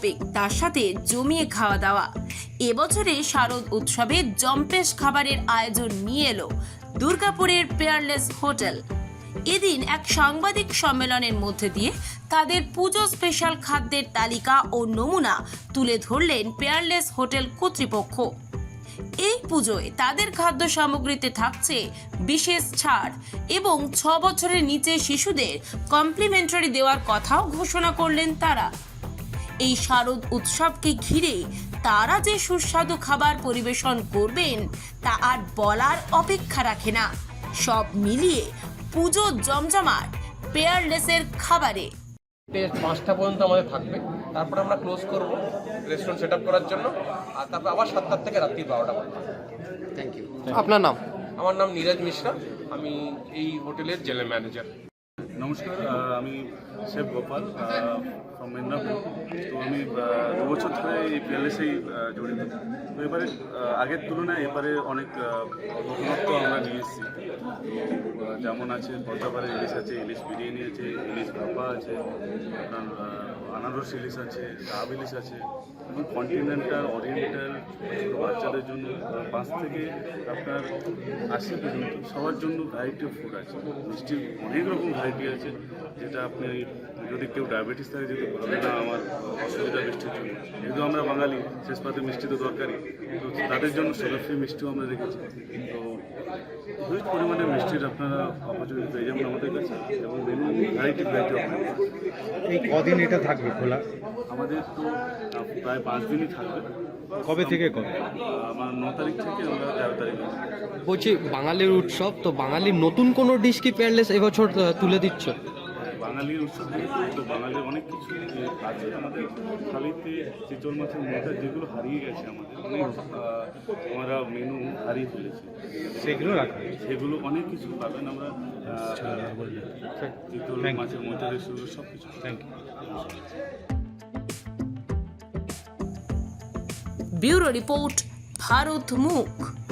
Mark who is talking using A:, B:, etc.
A: Shopping, তার সাথে জমিয়ে খাওয়া দাওয়া। এবছরে শারদ উৎসবে জম্পেশ খাবারের আয়োজন নিয়ে এলো দুর্গাপুরের পেয়ারলেস হোটেল। এদিন এক সাংবাদিক সম্মেলনের মধ্যে দিয়ে তাদের পুজো স্পেশাল খাদ্যের তালিকা ও নমুনা তুলে ধরলেন পেয়ারলেস হোটেল কর্তৃপক্ষ। এই পুজোয় তাদের খাদ্য সামগ্রীতে থাকছে বিশেষ ছাড় এবং 6 বছরের নিচে শিশুদের কমপ্লিমেন্টারি দেওয়ার কথাও ঘোষণা করলেন তারা। এই শারদ উৎসবকে ঘিরে তারা যে সুস্বাদু খাবার পরিবেশন করবেন তা আর বলার অপেক্ষা রাখে না। সব মিলিয়ে পুজো জমজমাট পেয়ারলেসের খাবারে।
B: 5টা পর্যন্ত আমাদের থাকবে, তারপর আমরা ক্লোজ করব রেস্টুরেন্ট সেট আপ করার জন্য, আর তারপর আবার 7টা থেকে রাত্রি 12টা পর্যন্ত।
C: Thank you.
D: আপনার নাম?
B: আমার নাম নীরজ মিশ্রা, আমি এই হোটেলের জেনারেল ম্যানেজার।
E: নমস্কার, আমি শেফ গোপাল ফ্রম মেদিনীপুর। তো আমি 2 বছর ধরে এই প্যালেসেই জড়িত। তো এবারে আগের তুলনায় এবারে অনেক নতুনত্ব আমরা নিয়ে এসেছি। যেমন আছে পদ্মাপাড়ের ইলিশ আছে, ইলিশ বিরিয়ানি আছে, ইলিশ ভাপা আছে, আপনার আনারস ইলিশ আছে, ডাব ইলিশ আছে, এবং কন্টিনেন্টাল, ওরিয়েন্টাল, বাচ্চাদের জন্য 5 থেকে আপনার 80 পর্যন্ত সবার জন্য ভ্যারাইটি অফ ফুড আছে। মিষ্টির অনেক রকম ভ্যারাইটি আছে, যেটা আপনি যদি কেউ ডায়াবেটিস থাকে যেহেতু বলবে না আমার অসুবিধা মিষ্টির জন্য, যেহেতু আমরা বাঙালি শেষ পাতে মিষ্টি তো দরকারই, তো তাদের জন্য সুগার ফ্রি মিষ্টিও আমরা রেখেছি। তো হিউজ পরিমাণে মিষ্টির আপনারা অপরচুনিটি পেয়ে যাবেন আমাদের কাছে, এবং ভ্যারাইটি অফ।
D: এই কদিন এটা থাকবে খোলা?
E: আমাদের তো প্রায় 5 দিনই থাকবে।
D: কবে থেকে কবে?
E: আমার 9 তারিখ থেকে আমরা 13 তারিখ।
D: বলছি বাঙালির উৎসব, তো বাঙালির নতুন কোনো ডিশ কি পেয়ারলেস এবছর তুলে দিচ্ছ?
E: বাঙালির উৎসব যেহেতু, তো বাঙালির অনেক কিছু আছে আমাদের থালিতে। চিতল মাছের মোটা যেগুলো হারিয়ে গেছে আমাদের, অনেক আমরা মেনু হারিয়ে ফেলেছি,
D: সেগুলো রাখা,
E: সেগুলো অনেক কিছু পাবেন আমরা। চিতল মাছের মোটা রেসিপি সব কিছু।
D: Thank you.
A: ব্যুরো রিপোর্ট, ভারত মুখ।